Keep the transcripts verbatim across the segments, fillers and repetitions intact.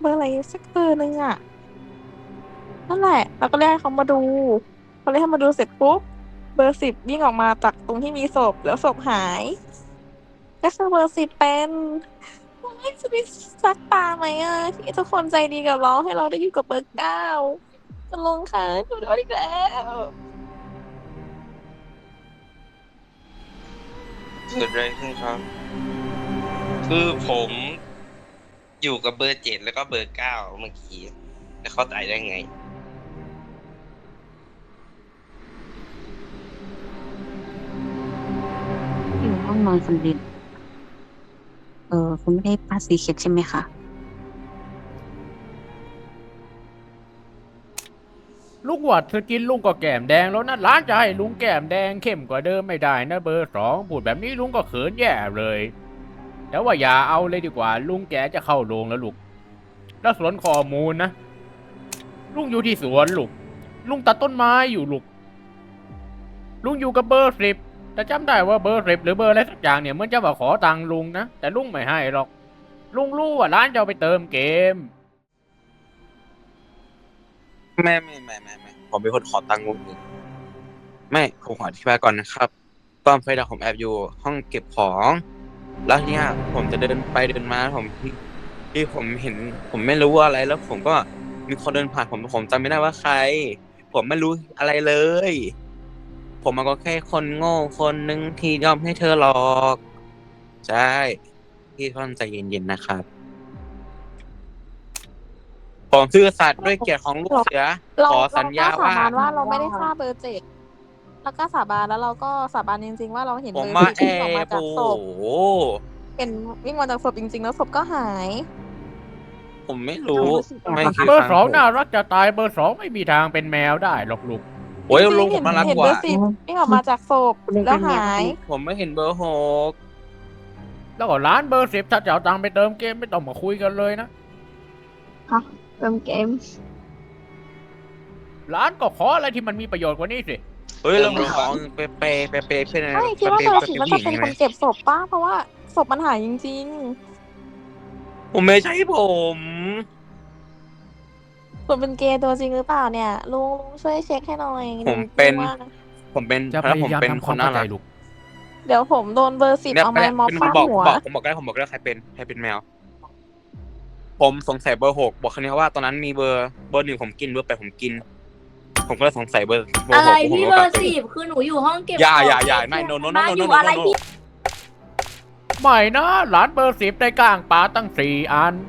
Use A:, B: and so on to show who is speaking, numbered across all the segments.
A: เบอร์อะไรสักเบอร์หนึ่งอะนั่นแหละเราก็เรียกให้เขามาดูพอเรียกให้มาดูเสร็จปุ๊บเบอร์สิบวิ่งออกมาจากตรงที่มีศพแล้วศพหายก็คือเบอร์สิบเป็นไม่จะไปซักตาไหมอะที่ทุกคนใจดีกับเราให้เราได้อยู่กับเบอร์เก้าจะลงค่ะดูโดนอีกแล้ว
B: เกิดอะไรขึ้นครับคือผมอยู่กับเบอร์เจ็ดแล้วก็เบอร์เก้าเมื่อกี้แล้วเขาตายได้ไง
C: อยู่ห้องนอนคนเดียวเออคุณไม่ได้ปาสีเข็ดใช่ไหมคะ
D: ลุงว่าเธอกินลุงก็แก้มแดงแล้วนะร้านจะให้ลุงแก้มแดงเข้มกว่าเดิมไม่ได้นะเบอร์สองพูดแบบนี้ลุงก็เขินแย่เลยแต่ว่าอย่าเอาเลยดีกว่าลุงแกจะเข้าโรงแล้วลูกแล้วสวนข้อมูลนะลุงอยู่ที่สวนลูกลุงตัดต้นไม้อยู่ลูกลุงอยู่กับเบอร์สิบแต่จำได้ว่าเบอร์สิบหรือเบอร์อะไรสักอย่างเนี่ยมันจะมาขอตังค์ลุงนะแต่ลุงไม่ให้หรอกลุงรู้ว่าร้านจะเอาไปเติมเกม
B: ไม่ไม่ไม่ไม่ไม่ผมเป็นคนขอตังค์ลุงเองไม่ผมขออธิบายก่อนนะครับตอนไฟดับผมแอบอยู่ห้องเก็บของแล้วทีเนี้ยผมจะเดินไปเดินมาผมที่ผมเห็น ผมไม่รู้ว่าอะไรแล้วผมก็มีคนเดินผ่านผมผมจำไม่ได้ว่าใคร ผมไม่รู้อะไรเลย ผมมันก็แค่คนโง่คนนึงที่ยอมให้เธอหลอกใช่พี่ท่านใจเย็นๆนะครับผมซื่อสัตย์ด้วยเกียรติของลูกเสือ
A: เรา
B: ขอ
A: เรา
B: สัญญา
A: ก็สา
B: ว่า
A: บานว่าเราไม่ได้ฆ่าเบอร์เจ็ดแล้วก็สาบานแล้วเราก็สาบานจริงๆว่าเราเห็น
B: ผ
A: เบ
B: ม
A: อร์
B: มา
A: สิบ
B: แอ
A: วิ่งออกมา
B: บ
A: จาก
B: โอ้
A: ศ
B: โห
A: พเห็นวิ่งมาจากศพจริงๆแล้วศพก็หาย
B: ผมไม่รู้ไม่คือ
D: เบอร์
B: ฟัง
D: สอง
B: ผม
D: น่ารักจะตายเบอร์สองไม่มีทางเป็นแมวได้หรอกลูก
B: โอ้ย
A: จริงๆ
B: ลุงผ
A: เห็
B: ม
A: น
B: น่ารัก
A: เห็น
B: ก
A: เบอ
B: ว่า
A: ร์สิบวิ่งออกมาจากศพแล้วหาย
B: ผมไม่เห็นเบอร์หก
D: แล้วก็ร้านเบอร์สิบถ้าจะเอาตังค์ไปเติมเกมไม่ต้องมาคุยกันเลยนะ
C: เติมเกม
D: ร้านก็ขออะไรที่มันมีประโยชน์กว่านี้สิ
B: เฮ้ยลุงของเปเปเปเปเพื่อน
A: ไม่คิดว่าเบอร์สิบน่าจะเป็นคนเก็บศพป้าเพราะว่าศพมันหายจริง
B: ผมไม่ใช่ผม
A: ๆส่วนเป็นเกย์ตัวจริงหรือเปล่าเนี่ยลุงลุงช่วยเช็คให้หน่อย
B: ผมเป็น
A: ว่า
B: ผมเป็น
D: จะพ
B: แล้วผม
D: ยายาม
B: เป็น
D: ทำค
B: คน
D: วาม
B: น่า
D: เข้าใจ
B: รัก
D: ลูก
A: เดี๋ยวผมโดนเบอร์สิบ
B: เนี่ย
A: เอา
B: ไม่
A: ไม้
B: ได้
A: ม็อบ
B: เป็น
A: ฟาด
B: บอก
A: หัว
B: บอกผมบอกได้ผมบอกได้ใครเป็นใครเป็นแมว ผมสงสัยเบอร์หกบอกคนนี้ว่าตอนนั้นมีเบอร์เบอร์หนึ่งผมกินเบอร์แปดผมกิน ผมก็เลยสงสัยเบอร์เบอร์
E: อะ
B: ห
E: ไร
B: กผม
E: พี่
B: ก็
E: เบอ
B: แบบ
E: ร์สิบคือหนูอยู่ห้องเก็บ
B: อย่า
E: ของ
B: อย่าอย่าไม่ no no no
E: บ้า
B: no
E: อ
B: no
E: ยู่
B: no
E: อะไร
B: no
E: พี่
D: ไม่นะร้านเบอร์สิบได้ก้างปลาตั้งสี่อัน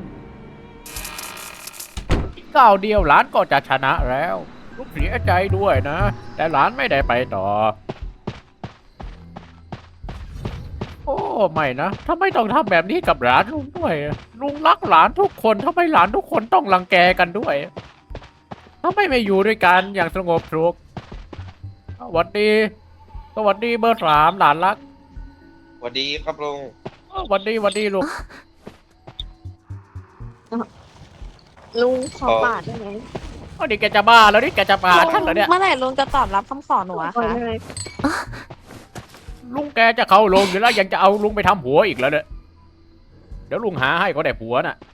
D: ก้าวเดียวร้านก็จะชนะแล้ว ลูกเสียใจด้วยนะ แต่ร้านไม่ได้ไปต่อ โอ้ไม่นะทำไมต้องทำแบบนี้กับหลานลุงด้วยลุงรักหลานทุกคนทำไมหลานทุกคนต้องรังแกกันด้วยทำไมไม่อยู่ด้วยกันอย่างสงบสุขสวัสดีสวัสดีเบอร์สามหลานรัก
B: สวัสดีครับลุง
D: สวัสดีสวัสดีลูก
A: ลุงขอปาดได้ไหม
D: อ๋อนี่แกจะบ้าแล้วนี่แกจะปาฉันเหรอเนี่ย
A: เมื่อไหร่ลุงจะตอบรับคำขอหนูอะคะ
D: ลุงแกจะเข้าลงอยู่แล้วยังจะเอาลุงไปทำหัวอีกแล้วเนี่ยเดี๋ยวลุงหาให้ก็ได้ผัวน่ะ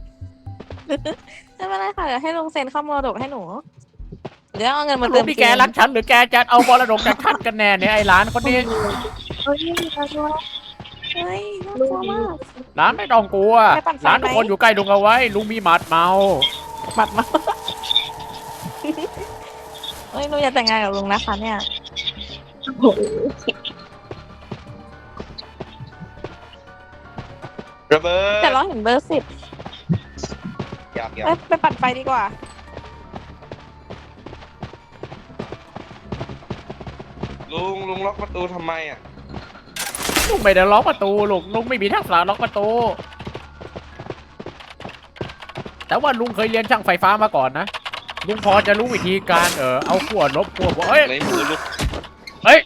A: ไม่เป็นไรค่ะเดี๋ยวให้ลุงเซ็นเข้ามรดกให้หนูเดี๋ยวเอาเงินมา
D: ลุ
A: เติ
D: ง
A: ม
D: ที่แกรักฉันหรือแกจะเอามรดกจากฉันกันแน่เนี่ยไอ้หลานคนนี้
A: เฮ้ยน่ากลัวเฮ้ยน่ากลัวมาก
D: หลานไม่ต้องกลัว
A: ไม่ปั่นไฟ
D: หลานทุกคนอยู่ใกล้ลุงเอาไว้ ลุงมีหมัดเมา
A: บัดมาเฮ้ยหนูอยากแต่งงานกับลุงนะคะเนี่ย
B: ระเบิด
A: แต่เราเห็นเบอร์สิบ
B: อยากอยาก
A: ไปไปปั่นไฟดีกว่า
B: ลุงลุงล็อกประตูทำไมอ่ะ
D: ลุงไม่ได้ล็อกประตูลูกลุงไม่มีทักษะล็อกประตู แต่ว่าลุงเคยเรียนช่างไฟฟ้ามาก่อนนะลุงพอจะรู้วิธีการเออเอาขั้วลบขั้วบวกเอ้ย
B: ในมือลุก
D: เฮ้ย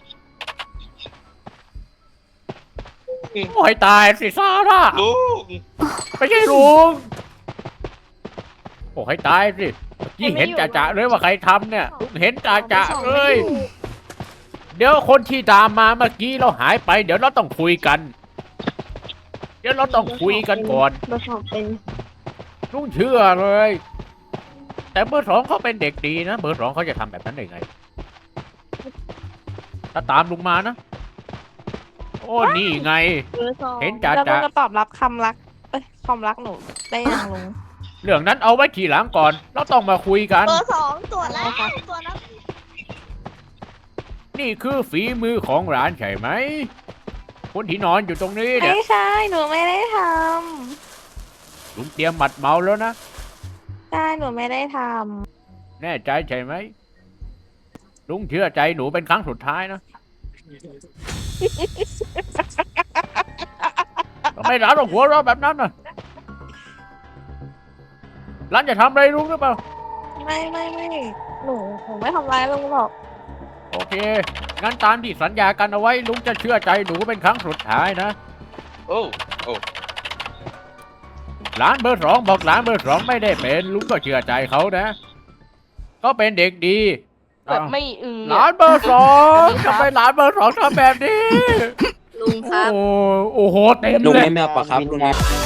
D: โอ้ยตายสิซาร่า
B: ลุง
D: ไม่ใช่ลุงโอ้ยตายสิยิ่งเห็นจ่าๆเลยว่าใครทำเนี่ยลุงเห็นจ่าๆเลยเดี๋ยวคนที่ตามมาเมื่อกี้เราหายไป เดี๋ยวเราต้องคุยกัน เดี๋ยวเราต้องคุยกันก่อน
A: เบอร์สองเป็น
D: ลุงเชื่อเลย แต่เบอร์สองเขาเป็นเด็กดีนะเบอร์สองเขาจะทำแบบนั้นได้ไง ถ้าตามลุงมานะ โอ้นี่ไง
E: เบอร์สอง
D: เห็นจ่า
A: แล้วลุ
D: จ่าง
A: จะตอบรับคำรักเอ้ยความรักหนูได้ยังลุง
D: เรื่องนั้นเอาไว้ทีหลังก่อน เราต้องมาคุยกัน
E: เบอร์สองตรวจแล้ว
A: อะไรคะ
E: ตรวจแล้ว
D: นี่คือฝีมือของร้านใช่ไหมคนที่นอนอยู่ตรงนี้เนี่ย
A: ไม่ใช่หนูไม่ได้ท
D: ลุงเตรียมหมัดเมาแล้วนะ
A: ำใช่หนูไม่ได้ท
D: แน่ใจใช่ไหมลุงเชื่อใจหนูเป็นครั้งสุดท้ายนะทำไมร้านต้องหัวเราะแบบนั้นน่ะร้านจะทำอะไรลุงหรือเปล่า
A: ำไม่ไม่ไม่หนูหนูไม่ทำร้ายลุงหรอก
D: โอเค งั้นตามที่สัญญากันเอาไว้ลุงจะเชื่อใจหนูเป็นครั้งสุดท้ายนะ
B: โอ้โอ้
D: ร้านเบอร์สองบอกร้านเบอร์สองไม่ได้เป็นลุงก็เชื่อใจเขานะก็เป็นเด็กดี
E: แบบไม่อือ
D: ร้านเบอร์สองทำไมร้านเบอร์สองทำแบบนี้
E: ลุงครับ
D: โอ้โอ้โหเต็ม
B: ลุง
D: เลย
B: ไม่แมวปะครับลุง